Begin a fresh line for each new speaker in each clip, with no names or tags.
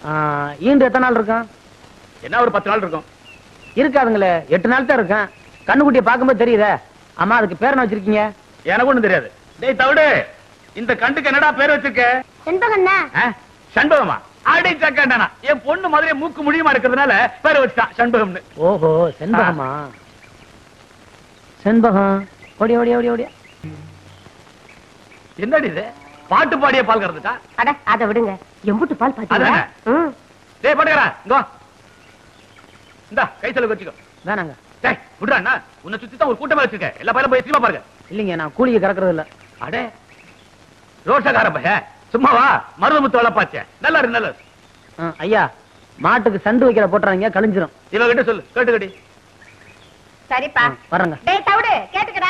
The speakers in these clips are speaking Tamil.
ஈண்டு எத்தனை நாள் இருக்கும்?
என்ன ஒரு 10 நாள் இருக்கும்.
இருக்காதுங்களே, 8 நாள் தான் இருக்கும். கண்ணுக்குட்டியை பார்க்கும்போது தெரியுதே. அம்மா அதுக்கு பேர் என்ன வச்சிருக்கீங்க?
எனக்கு ஒண்ணும் தெரியாது. டேய் தவிடு, இந்த கண்டுக்கு என்னடா பேர் வச்சிருக்க?
செண்பகம்னா.
சண்பகமா? அடி சக்கண்டனா. என் பொண்ணு மாதிரியே மூக்கு முடியுமா இருக்கிறதுனால பேர் வச்சுட்டான் சண்பகம்னு.
ஓஹோ, செண்பகமா? செண்பகம். ஓடி ஓடி ஓடி ஓடி.
என்னடி இது? பாட்டு பாடிய பால் கறந்துட்டா?
அட அத விடுங்க. எம்புட்டு பால் பாத்தீங்களா?
டேய் பாட்டுக்கறா, இங்க வா. இந்தா கை செலவு வச்சுக்கோ.
வேணாங்க.
டேய் விடுடா அண்ணா. உன்னை சுத்தி தான் ஒரு கூட்டமா வச்சிருக்க. எல்லா பையலும் போய் சினிமா பாருங்க.
இல்லைங்க, நான் கூலிக்கு கறக்கிறது இல்ல.
அடே ரோஷக்கார பையன். சும்மா வா, மருதமுத்து வளப்பாச்சே. நல்லா இருக்கு, நல்லா இருக்கு.
ஐயா, மாட்டுக்கு சண்டு வைக்கிற போட்டுறாங்க, கழிஞ்சிரும்.
இவகிட்ட சொல்லு, கேட்டுக்கடி.
சரிப்பா,
வரங்க.
டேய் தவிடு, கேட்டுக்கடா.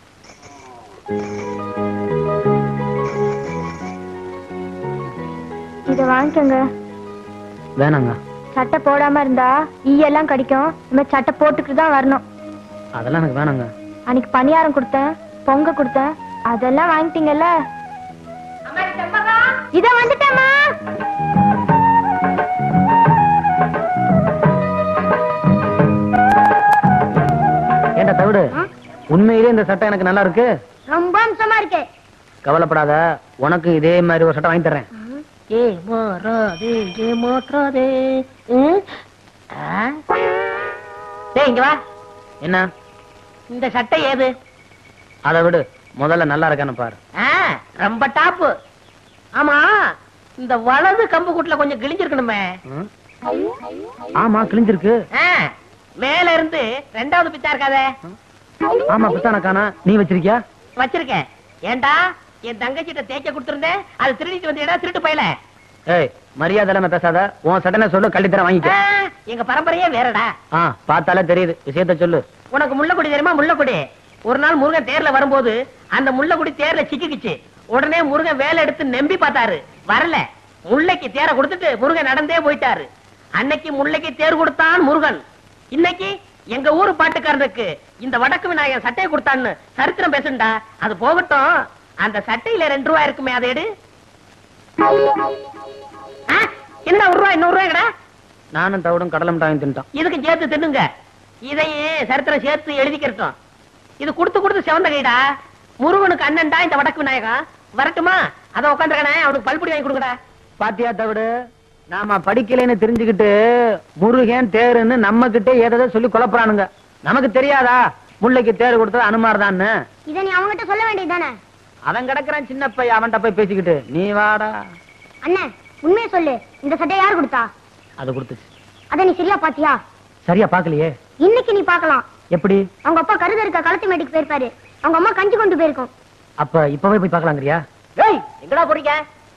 இத வாங்கிக்கங்க.
வேணாங்க.
சட்டை போடாம இருந்தா ஈயெல்லாம் கடிக்கும். நம்ம சட்டை போட்டுக்கிட்டு தான் வரணும்.
அதெல்லாம் எனக்கு வேணாங்க.
அன்னைக்கு பணியாரம் கொடுத்தேன், பொங்க கொடுத்தேன், அதெல்லாம் வாங்கிட்டீங்கல்ல. இத வந்துட்டேம்மா.
ஏண்டா தவிடு, உண்மையிலே இந்த சட்டை எனக்கு நல்லா இருக்கு.
ரொம்ப அம்சமா இருக்கு.
கவலைப்படாத, உனக்கு இதே மாதிரி ஒரு சட்டை வாங்கி தர்றேன்.
இங்க வா.
என்ன
இந்த சட்டை ஏது?
அதை விடு, முதல்ல நல்லா இருக்கான்னு பாரு.
ரொம்ப டாப்பு. ஆமா, இந்த வலது கம்பு கூட்டுல கொஞ்சம் கிழிஞ்சிருக்கணுமே.
ஆமா, கிழிஞ்சிருக்கு.
மேல இருந்து 2வது பித்தா இருக்காதே.
ஆமா, பித்தான காணா. நீ வச்சிருக்கியா?
வச்சிருக்கேன். ஏண்டா, என் தங்கச்சிட்ட தேய்க்க கொடுத்திருந்தேன், அது திருடிட்டு வந்தேடா, திருட்டு போயல.
ஏய், மரியாதை இல்லாம பேசாத. உன் சட்டனை சொல்லு, கள்ளி தர வாங்கிக்க.
எங்க பரம்பரையே வேறடா.
பார்த்தாலே தெரியுது. விஷயத்த சொல்லு.
உனக்கு முள்ளக்குடி தெரியுமா? முள்ளக்குடி. ஒரு நாள் முருகன் தேர்ல வரும்போது அந்த முள்ளக்குடி தேர்ல சிக்கிக்குச்சு. உடனே முருகன் வேலை எடுத்து நம்பி பார்த்தாரு, வரல. முல்லைக்கு தேரை கொடுத்துட்டு முருகன் நடந்தே போயிட்டாரு. அன்னைக்கு முல்லைக்கு தேர் கொடுத்தான் முருகன். இன்னைக்கு எங்க ஊரு பாட்டுக்காரனுக்கு இந்த வடக்கு விநாயகன் சட்டையை கொடுத்தான்னு சரித்திரம் பேசுண்டா. அது போகட்டும், அந்த சட்டையில 2 ரூபாய் இருக்குமே, அதை எடு. என்ன 1 ரூபாய்? 100 ரூபாய்டா.
நானும் தவிடும் கடலை மிட்டாயும் தின்ட்டான்.
இதுக்கு சேர்த்து தின்னுங்க. இதையே சரித்திரம் சேர்த்து எழுதிக்கிறோம். இது கொடுத்து கொடுத்து செவந்த கைடா. முருகனுக்கு அண்ணன்டா இந்த வடக்கு விநாயகம். வரட்டுமா? அத உட்காந்துருக்கானே, அவனுக்கு பல்புடி வாங்கி கொடுக்கடா.
பாத்தியா தவிடு, நாம படிக்கலைன்னு தெரிஞ்சுக்கிட்டு முருகன் தேருன்னு நம்ம கிட்டே ஏதோ சொல்லி குழப்பறானுங்க. நமக்கு தெரியாதா முல்லைக்கு தேர் கொடுத்தது அனுமார் தான்?
இத நீ அவங்கிட்ட சொல்ல வேண்டியதுதானே?
அவன் கிடக்குறான் சின்ன பையன், அவன்கிட்ட போய் பேசிக்கிட்டு நீ வாடா.
அண்ணே, உண்மையை சொல்லு. இந்த சட்டை யார் கொடுத்தா?
அது கொடுத்துச்சு.
அத நீ சரியா பாத்தியா?
சரியா பாக்கலையே.
இன்னைக்கு நீ பாக்கலாம்.
எப்படி?
அவங்க அப்பா கருத இருக்க களத்து மேட்டுக்கு போயிருப்பாரு. அவங்க அம்மா கஞ்சி கொண்டு போயிருக்கும்.
அப்ப இப்பவே போய் பாக்கலாங்கறியா?
ஏய், எங்கடா போறீங்க?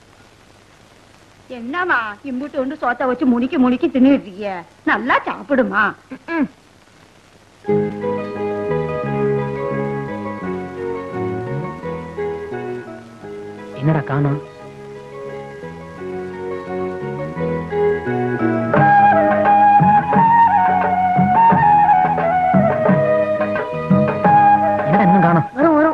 என்னமா இம்புட்டு ஒன்று சோத்த வச்சு முனிக்கி முனிக்கி தின்னுட்டு இருக்கிய? நல்லா சாப்பிடுமா.
என்னடா காணோம்? என்னடா இன்னும் காணோம்?
வரும் வரும்.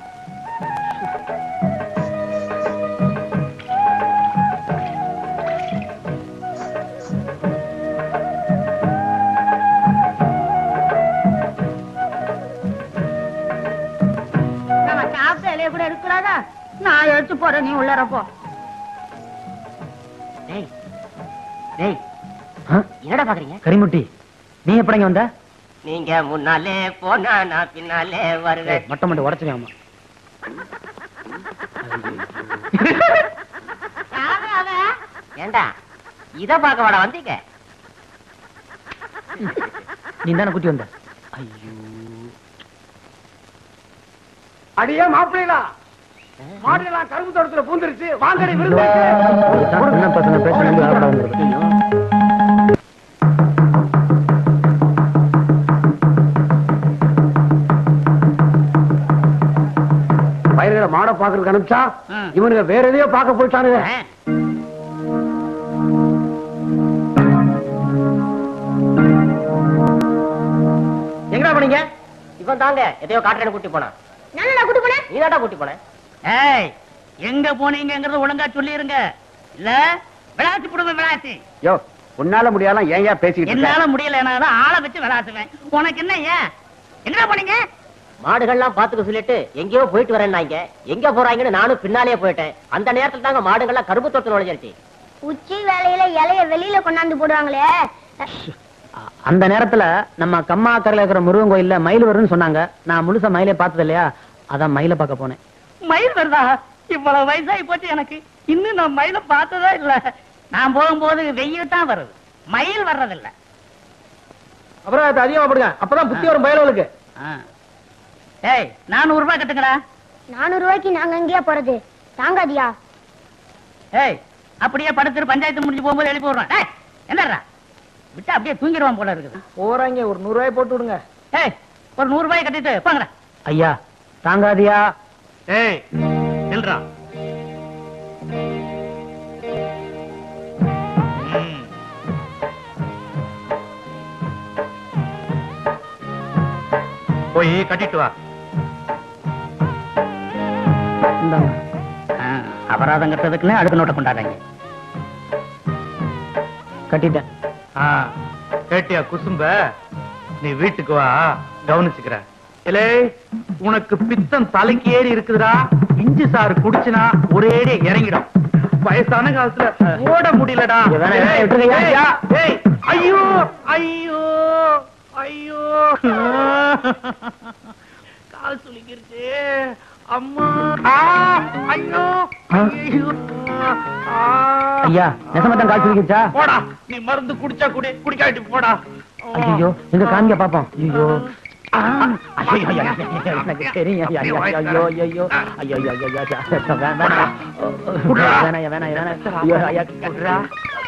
நம்ம சாப்பிட்ட இலைய கூட எடுக்கலாதா? நான் எடுத்து போறேன், நீ உள்ளார போ.
டேய் டேய், என்னடா பாக்குறீங்க?
கரிமுட்டி, நீ எப்படிங்க வந்த?
நீங்க முன்னாலே போனா நான் பின்னாலே வருவேன்.
மட்டம் மட்டும் உடச்சுவேன்.
ஏண்டா, இத பாக்க வாடா வந்தீங்க?
நீ தானே குட்டி வந்த?
ஐயோ, அடியே மாப்பிள்ளா, மாடுலாம் கரும்பு தோட்டத்துல பூந்துருச்சு. வாங்கடி விருந்து.
என்ன பசங்க பேச
பயிர்களை மாட பாக்குறதுக்கு அனுப்பிச்சா இவனுங்க வேற எதையோ பார்க்க போயிட்டானுங்க.
எங்கடா போனீங்க? இவன் தாங்க எதையோ காட்டுறேன்னு கூட்டி போனா.
நானா கூட்டி போனேன்?
நீதாடா கூட்டி போன. ஏய், எங்க போனீங்கங்கறது ஒழுங்கா சொல்லிருங்க. இல்ல விளையாட்டு போடுவேன் விளையாட்டு.
யோ உன்னால முடியாலாம் ஏன் பேசிக்கிட்டு இருக்க?
என்னால முடியல ஆளை வச்சு விளையாட்டுவேன். உனக்கு என்ன ஏன் எங்க போனீங்க?
மாடுகள்லாம் பாத்துக்க சொல்லிட்டு எங்கேயோ போயிட்டு வரேன்னாங்க. எங்க போறாங்கன்னு நானும் பின்னாலேயே போயிட்டேன். அந்த நேரத்துல தாங்க மாடுகள்லாம் கரும்பு தோட்டத்துல நுழைஞ்சிருச்சு.
உச்சி வேலையில இலைய வெளியில கொண்டாந்து போடுவாங்களே.
அந்த நேரத்துல நம்ம கம்மாக்கரையில இருக்கிற முருகன் கோயில்ல மயில் வரும்னு சொன்னாங்க. நான் முழுசா மயிலே பார்த்தது இல்லையா, அதான் மயில பார்க்க போனேன்.
மயில் வருதா? இவ்வளவு வயசாகி போச்சு எனக்கு, இன்னும் நான் மயில பார்த்ததா இல்ல. நான் போகும்போது வெயில் தான் வருது, மயில் வர்றதில்ல.
அப்புறம் அது அதிகமா போடுங்க, அப்பதான் புத்தி வரும் பயலுக்கு.
ஏய் 400 ரூபாய் கட்டுங்கடா.
400 ரூபாய்க்கு நாங்க எங்கேயா போறது? தாங்காதியா?
ஏய் அப்படியே படுத்துட்டு பஞ்சாயத்து முடிஞ்சு போகும்போது எழுப்பி விடுறேன். ஏய் என்னடா விட்டா அப்படியே தூங்கிடுவான் போல இருக்குது.
போறாங்க, ஒரு 100 ரூபாய் போட்டு விடுங்க.
ஏய் ஒரு 100 ரூபாய் கட்டிட்டு போங்கடா.
ஐயா தாங்காதியா?
ஏய் நில்றா. போய் கட்டிட்டு வா.
இந்தாங்க.
அபராதம் கட்டுறதுக்குன்னு அடுத்த நோட்டை கொண்டாடுறாங்க.
கட்டிட்டேன்.
கேட்டியா குசும்ப? நீ வீட்டுக்கு வா, கவனிச்சுக்கிற. இல்லே உனக்கு பித்தம் தலைக்கு ஏறி இருக்குதுடா. இஞ்சி சாறு குடிச்சுனா ஒரேடி இறங்கிடும். வயசான காலத்துல ஓட முடியலடா. ஏய் ஐயோ ஐயோ ஐயோ கால் சுளிக்கிருச்சு. அம்மா ஐயோ ஐயோ.
ஐயா நெசமத்தான் காய்ச்சி வைக்கிச்சா?
போடா, நீ மருந்து குடிச்சா குடி, குடிக்காட்டி போடா.
ஐயோ எங்க காமிக்க பாப்போம். ஐயோ எனக்கு தெரியும். ஐயோ ஐயோ ஐயோ ஐயோ வேணாம் வேணாம் வேணாம். ஐயோ ஐயா குடுறா.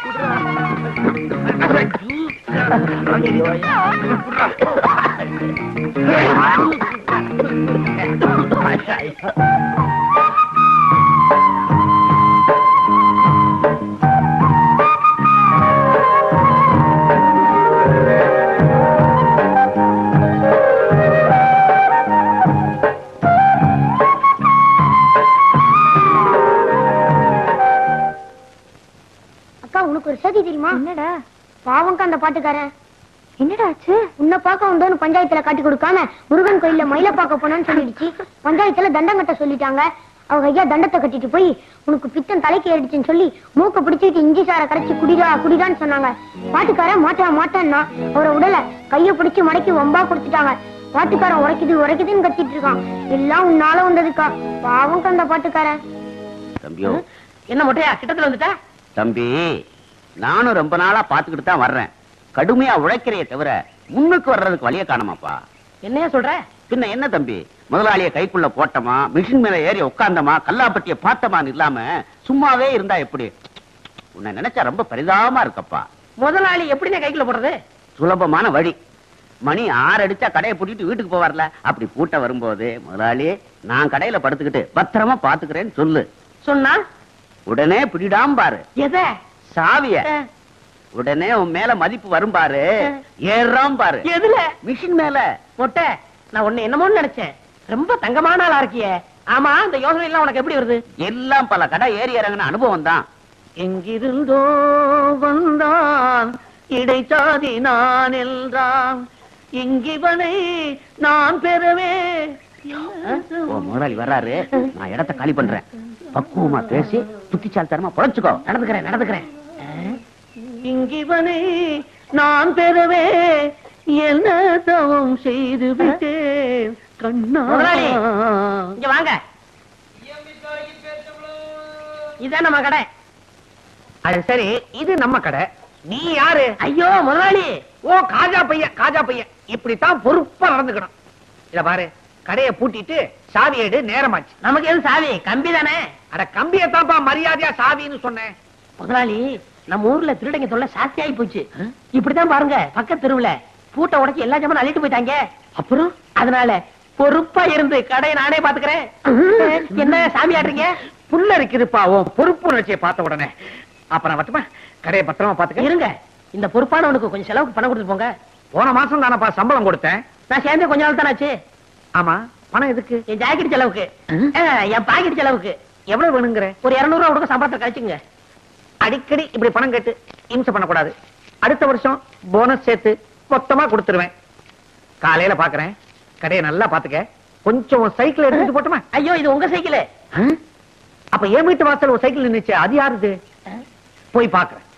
அக்கா உனக்கு ஒரு செய்தி தெரியுமா? என்னடா? பாவங்க அந்த பாட்டுக்காரன். என்னடா ஆச்சு? உன்னை பார்க்க வந்தோன்னு பஞ்சாயத்துல காட்டி கொடுக்காம முருகன் கோயில்ல மயில பார்க்க போனான்னு சொல்லிடுச்சு. பஞ்சாயத்துல தண்டம் கட்ட சொல்லிட்டாங்க. அவங்க ஐயா தண்டத்தை கட்டிட்டு போய் உனக்கு பித்தம் தலைக்கு ஏறிடுச்சுன்னு சொல்லி மூக்க பிடிச்சிட்டு இஞ்சி சாரை கரைச்சி குடிடா குடிடான்னு சொன்னாங்க. பாட்டுக்காரன் மாட்டான்னா அவரை உடல கைய பிடிச்சு மடக்கி வம்பா கொடுத்துட்டாங்க. பாட்டுக்காரன் உரைக்குது உரைக்குதுன்னு கத்திட்டு இருக்கான். எல்லாம் உன்னால வந்ததுக்கா. பாவங்க அந்த பாட்டுக்காரன்.
தம்பியோ
என்ன மொட்டையா கிட்டத்துல வந்துட்டா?
தம்பி நானும் ரொம்ப நாளா பாத்துக்கிட்டு தான் வர்றேன். கடுமையா உழைக்கிறைய தவிர முன்னுக்கு வர்றதுக்கு வழிய காணமாப்பா.
என்னையா சொல்ற?
பின்ன என்ன தம்பி, முதலாளிய கைக்குள்ள போட்டமா, மிஷின் மேல ஏறி உட்கார்ந்தமா, கல்லாப்பட்டிய பார்த்தமான்னு இல்லாம சும்மாவே இருந்தா எப்படி? உன்னை நினைச்சா ரொம்ப பரிதாபமா இருக்கப்பா.
முதலாளி எப்படின்னு கைக்குள்ள போடுறது?
சுலபமான வழி. மணி 6 அடிச்சா கடையை பூட்டிட்டு வீட்டுக்கு போவார்ல, அப்படி பூட்ட வரும்போது முதலாளி நான் கடையில படுத்துக்கிட்டு பத்திரமா பாத்துக்கிறேன்னு சொல்லு.
சொன்னா
உடனே பிடிடாம பாரு
எத?
சாவிய. உடனே உன் மேல மதிப்பு வரும் பாரு, ஏறாம் பாரு.
எதுல?
மிஷின் மேல.
மொட்டை நான் உன்னை என்னமோன்னு நினைச்சேன். ரொம்ப தங்கமான ஆளா இருக்கியே. ஆமா இந்த யோசனை எல்லாம் உனக்கு எப்படி வருது?
எல்லாம் பல கடை ஏறி இறங்கின அனுபவம் தான்.
எங்கிருந்தோ வந்தான் இடைச்சாதி நான் என்றான், இங்கிவனை நான் பெறவே.
முதலாளி வர்றாரு, நான் இடத்தை காலி பண்றேன். பக்குவமா பேசி புத்திசாலித்தனமா பொழைச்சுக்கோ.
நடந்துக்கிறேன். இங்கிவனை நான் பெறவே என்ன தவம் செய்து விட்டேன் கண்ணா. இங்க வாங்க, இதான் நம்ம கடை.
அது சரி, இது நம்ம கடை. நீ யாரு?
ஐயோ முதலாளி.
ஓ காஜா பையன். இப்படித்தான் பொறுப்பா நடந்துக்கணும். இத பாரு, கடையை பூட்டிட்டு சாவி எடு, நேரமாச்சு.
நமக்கு எது சாவி? கம்பி தானே.
அட கம்பியத்தான்ப்பா மரியாதையா சாவின்னு சொன்னேன்.
முதலாளி நம்ம ஊர்ல திருடங்க தொல்லை சாஸ்தி ஆகி போச்சு. இப்படித்தான் பாருங்க, பக்கத்து தெருவுல பூட்டை உடைச்சு எல்லா ஜாமான் அள்ளிட்டு போயிட்டாங்க. அப்புறம் அதனால பொறுப்பா இருந்து கடையை நானே பாத்துக்கிறேன். என்ன சாமி ஆடுறீங்க?
புல்ல இருக்குதுப்பா உன் பொறுப்பு உணர்ச்சியை பார்த்த உடனே. அப்புறம் வட்டுமா, கடையை பத்திரமா பாத்துக்க.
இருங்க, இந்த பொறுப்பானவனுக்கு கொஞ்சம் செலவுக்கு பணம் கொடுத்து போங்க.
போன மாசம் தானப்பா சம்பளம் கொடுத்தேன்.
நான் சேர்ந்தே கொஞ்ச நாள் தானே ஆச்சு.
ஆமா, பணம் எதுக்கு?
என் ஜாக்கெட் செலவுக்கு, என் பாக்கெட் செலவுக்கு.
எவ்வளவு வேணுங்கிற?
ஒரு 200 ரூபா கொடுக்க சம்பளத்தை கழிச்சுங்க.
அடிக்கடி இப்படி பணம் கேட்டு இம்சை பண்ணக்கூடாது. அடுத்த வருஷம் போனஸ் சேர்த்து மொத்தமா கொடுத்துருவேன். காலையில பாக்குறேன். கடையை நல்லா பாத்துக்க. கொஞ்சம் சைக்கிள் எடுத்துட்டு போட்டுமா?
ஐயோ இது உங்க சைக்கிள்.
அப்ப என் வீட்டு வாசல் ஒரு சைக்கிள் நின்னுச்சு, அது யாருது? போய் பாக்குறேன்.